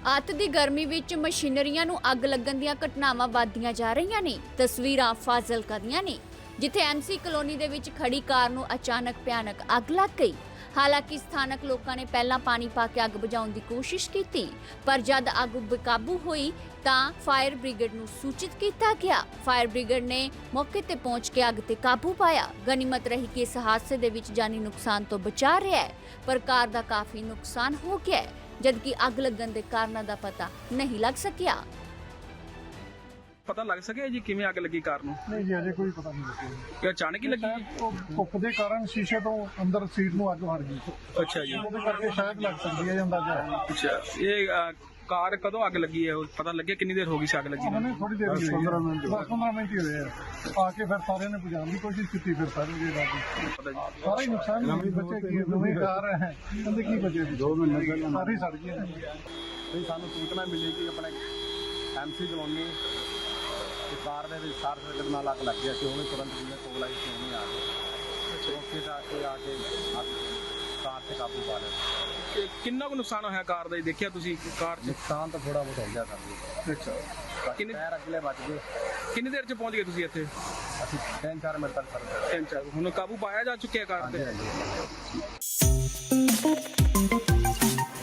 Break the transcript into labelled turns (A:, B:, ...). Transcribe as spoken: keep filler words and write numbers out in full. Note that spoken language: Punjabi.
A: ਅੱਤ ਦੀ ਗਰਮੀ ਵਿੱਚ ਮਸ਼ੀਨਰੀਆਂ ਨੂੰ ਅੱਗ ਲੱਗਣ ਦੀਆਂ ਘਟਨਾਵਾਂ ਵੱਧਦੀਆਂ ਜਾ ਰਹੀਆਂ ਨੇ। ਤਸਵੀਰਾਂ ਫਾਜ਼ਿਲਕਾ ਦੀਆਂ ਨੇ, ਜਿੱਥੇ ਐਮਸੀ ਕਲੋਨੀ ਦੇ ਵਿੱਚ ਖੜੀ ਕਾਰ ਨੂੰ ਅਚਾਨਕ ਭਿਆਨਕ ਅੱਗ ਲੱਗ ਗਈ। ਹਾਲਾਂਕਿ ਸਥਾਨਕ ਲੋਕਾਂ ਨੇ ਪਹਿਲਾਂ ਪਾਣੀ ਪਾ ਕੇ ਅੱਗ ਬੁਝਾਉਣ ਦੀ ਕੋਸ਼ਿਸ਼ ਕੀਤੀ, ਪਰ ਜਦ ਅੱਗ ਬੇਕਾਬੂ ਹੋਈ ਤਾਂ ਫਾਇਰ ਬ੍ਰਿਗੇਡ ਨੂੰ ਸੂਚਿਤ ਕੀਤਾ ਗਿਆ। ਫਾਇਰ ਬ੍ਰਿਗੇਡ ਨੇ ਮੌਕੇ ਤੇ ਪਹੁੰਚ ਕੇ ਅੱਗ ਤੇ ਕਾਬੂ ਪਾਇਆ। ਗਨੀਮਤ ਰਹੀ ਕਿ ਇਸ ਹਾਦਸੇ ਦੇ ਵਿੱਚ ਜਾਨੀ ਨੁਕਸਾਨ ਤੋਂ ਬਚਾ ਰਿਹਾ ਹੈ, ਪਰ ਕਾਰ ਦਾ ਕਾਫੀ ਨੁਕਸਾਨ ਹੋ ਗਿਆ ਹੈ, ਜਦਕਿ ਅੱਗ ਲੱਗਣ ਦੇ ਕਾਰਨਾਂ ਦਾ ਪਤਾ ਨਹੀਂ ਲੱਗ ਸਕਿਆ।
B: ਪਤਾ ਲੱਗ ਸਕਿਆ ਜੀ ਕਿਵੇਂ ਅੱਗ ਲੱਗੀ ਕਾਰ ਨੂੰ?
C: ਨਹੀਂ ਜੀ, ਅਜੇ ਕੋਈ ਪਤਾ ਨਹੀਂ ਲੱਗਿਆ।
B: ਕਿ ਅਚਾਨਕ ਹੀ ਲੱਗੀ?
C: ਉਹ ਧੁੱਪ ਦੇ ਕਾਰਨ ਸ਼ੀਸ਼ੇ ਤੋਂ ਅੰਦਰ ਸੀਟ ਨੂੰ ਅੱਗ ਵੜ ਗਈ।
B: ਅੱਛਾ ਜੀ,
C: ਉਹਦੇ ਕਰਕੇ ਸ਼ਾਇਦ ਲੱਗ ਸਕਦੀ ਹੈ, ਅੰਦਾਜ਼ਾ ਹੈ।
B: ਅੱਛਾ, ਇਹ ਅ, ਕਾਰ ਕਦੋਂ ਅੱਗ ਲੱਗੀ ਹੈ? ਉਹ ਪਤਾ ਲੱਗਿਆ ਕਿੰਨੀ ਦੇਰ ਹੋ ਗਈ ਸੀ ਅੱਗ ਲੱਗੀ ਨੂੰ?
C: ਉਹਨੇ ਥੋੜੀ ਦੇਰ ਹੀ ਪੰਦਰਾਂ ਮਿੰਟ ਦਸ ਪੰਦਰਾਂ ਮਿੰਟ ਹੀ ਹੋਏ ਆ। ਆ ਕੇ ਫਿਰ ਸਾਰਿਆਂ ਨੇ ਬੁਝਾਉਣ ਦੀ ਕੋਸ਼ਿਸ਼ ਕੀਤੀ, ਫਿਰ ਸਾਰੇ ਜੀ ਲੱਗ
B: ਪਤਾ ਜੀ।
C: ਸਾਰਾ ਹੀ ਨੁਕਸਾਨ ਹੋ ਗਿਆ। ਬੱਚੇ ਕੀ ਨਵੀਂ ਕਾਰ ਹੈ, ਕਹਿੰਦੇ ਕੀ ਬਚੇ ਦੋ ਮਿੰਟ ਸਾਰੀ ਸੜ ਗਈ ਹੈ।
D: ਤੇ ਸਾਨੂੰ ਸੂਚਨਾ ਮਿਲੀ ਕਿ ਆਪਣੇ ਐਮਸੀ ਕਲੋਨੀ ਦੀ ਕਾਰ ਦੇ ਵਿੱਚ ਸ਼ਾਰਟ ਸਰਕਟ ਨਾਲ ਅੱਗ ਲੱਗ ਗਈ ਸੀ। ਉਹਨੇ ਤੁਰੰਤ ਜਿਵੇਂ ਕੋਲ ਆਈ ਸੀ ਉਹਨੇ ਆ ਕੇ ਚੌਕੇ ਦਾ ਕੇ ਆ ਕੇ ਅੱਗ ਕਾਰ ਤੇ ਕਾਬੂ ਪਾ ਲਿਆ।
B: ਇਹ ਕਿੰਨਾ ਕੁ ਨੁਕਸਾਨ ਹੋਇਆ ਕਾਰ ਦਾ ਜੀ? ਦੇਖਿਆ ਤੁਸੀਂ ਕਾਰ 'ਚ?
D: ਨੁਕਸਾਨ ਤਾਂ ਥੋੜਾ ਬਹੁਤ ਹੋ ਗਿਆ ਸਾਨੂੰ।
B: ਅੱਛਾ,
D: ਕਿੰਨੇ ਟਾਇਰ ਅਗਲੇ ਬਚ ਗਏ।
B: ਕਿੰਨੀ ਦੇਰ 'ਚ ਪਹੁੰਚ ਗਏ ਤੁਸੀਂ ਇੱਥੇ?
D: ਅਸੀਂ ਤਿੰਨ ਚਾਰ ਮਿੰਟ ਤੱਕ ਕਰਦੇ
B: ਤਿੰਨ ਚਾਰ। ਹੁਣ ਕਾਬੂ ਪਾਇਆ ਜਾ ਚੁੱਕਿਆ ਕਾਰ ਤੇ?
D: ਹਾਂਜੀ ਹਾਂਜੀ।